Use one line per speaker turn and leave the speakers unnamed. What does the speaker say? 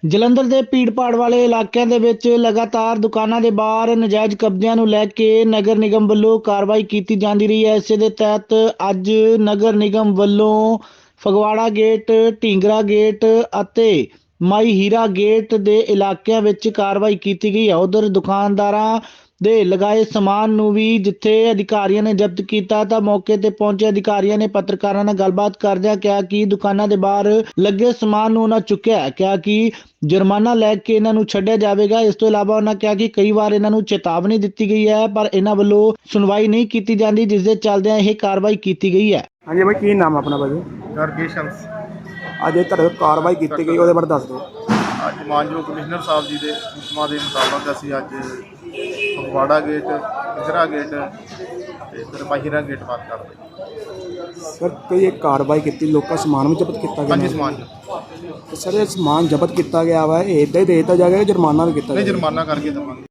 ਜਲੰਧਰ ਦੇ ਭੀੜ-ਭਾੜ ਵਾਲੇ ਇਲਾਕਿਆਂ ਦੇ ਵਿੱਚ ਲਗਾਤਾਰ ਦੁਕਾਨਾਂ ਦੇ ਬਾਹਰ ਨਜਾਇਜ਼ ਕਬਜ਼ਿਆਂ ਨੂੰ ਲੈ ਕੇ ਨਗਰ ਨਿਗਮ ਵੱਲੋਂ ਕਾਰਵਾਈ ਕੀਤੀ ਜਾਂਦੀ ਰਹੀ ਹੈ। ਇਸੇ ਦੇ ਤਹਿਤ ਅੱਜ ਨਗਰ ਨਿਗਮ ਵੱਲੋਂ ਫਗਵਾੜਾ ਗੇਟ, ਢੀਂਗਰਾ ਗੇਟ ਅਤੇ ਮਾਈ ਹੀਰਾ ਗੇਟ ਦੇ ਇਲਾਕਿਆਂ ਵਿੱਚ ਕਾਰਵਾਈ ਕੀਤੀ ਗਈ ਹੈ। ਉਧਰ ਦੁਕਾਨਦਾਰਾਂ ਦੇ ਲਗਾਏ ਸਮਾਨ ਨੂੰ ਵੀ ਜਿੱਥੇ ਅਧਿਕਾਰੀਆਂ ਨੇ ਜ਼ਬਤ ਕੀਤਾ ਤਾਂ ਮੌਕੇ ਤੇ ਪਹੁੰਚੇ ਅਧਿਕਾਰੀਆਂ ਨੇ ਪੱਤਰਕਾਰਾਂ ਨਾਲ ਗੱਲਬਾਤ ਕਰਦਿਆਂ ਕਿਹਾ ਕਿ ਦੁਕਾਨਾਂ ਦੇ ਬਾਹਰ ਲੱਗੇ ਸਮਾਨ ਨੂੰ ਉਹਨਾਂ ਚੁੱਕਿਆ ਹੈ। ਕਿਹਾ ਕਿ ਜੁਰਮਾਨਾ ਲੈ ਕੇ ਇਹਨਾਂ ਨੂੰ ਛੱਡਿਆ ਜਾਵੇਗਾ। ਇਸ ਤੋਂ ਇਲਾਵਾ ਉਹਨਾਂ ਕਿਹਾ ਕਿ ਕਈ ਵਾਰ ਇਹਨਾਂ ਨੂੰ ਚੇਤਾਵਨੀ ਦਿੱਤੀ ਗਈ ਹੈ ਪਰ ਇਹਨਾਂ ਵੱਲੋਂ ਸੁਣਵਾਈ ਨਹੀਂ ਕੀਤੀ ਜਾਂਦੀ, ਜਿਸ ਦੇ ਚੱਲਦਿਆਂ ਇਹ ਕਾਰਵਾਈ ਕੀਤੀ ਗਈ ਹੈ।
ਹਾਂਜੀ ਭਾਈ, ਕੀ ਨਾਮ ਆਪਣਾ ਭਾਜੀ?
ਗਰਗੇਸ਼ ਹੰਸ।
ਅੱਜ ਇਹ ਤੁਹਾਡੇ ਕਾਰਵਾਈ ਕੀਤੀ ਗਈ ਉਹਦੇ ਬਾਰੇ ਦੱਸ ਦਿਓ।
ਅੱਜ ਮਾਨਯੋਗ ਕਮਿਸ਼ਨਰ ਸਾਹਿਬ ਜੀ ਦੇ ਹੁਕਮਾਂ ਦੇ ਮੁਤਾਬਕ ਅਸੀਂ ਅੱਜ ਫਗਵਾੜਾ ਗੇਟ, ਢੀਂਗਰਾ ਗੇਟ ਤੇ ਇੱਧਰ ਮਾਈ ਹੀਰਾ ਗੇਟ ਬੰਦ ਕਰ ਦਿੱਤੇ।
ਸਰ ਕੋਈ ਇਹ ਕਾਰਵਾਈ ਕੀਤੀ, ਲੋਕਾਂ ਸਮਾਨ ਵੀ ਜ਼ਬਤ ਕੀਤਾ ਗਿਆ?
ਹਾਂਜੀ, ਸਮਾਨ
ਸਰ ਇਹ ਸਮਾਨ ਜ਼ਬਤ ਕੀਤਾ ਗਿਆ ਵਾ, ਇਹ ਇੱਦਾਂ ਹੀ ਦੇ ਦਿੱਤਾ ਜਾਏਗਾ, ਜੁਰਮਾਨਾ ਵੀ ਕੀਤਾ
ਨਹੀਂ,
ਜਾਏਗਾ?
ਜੁਰਮਾਨਾ ਕਰਕੇ ਦੇਵਾਂਗੇ।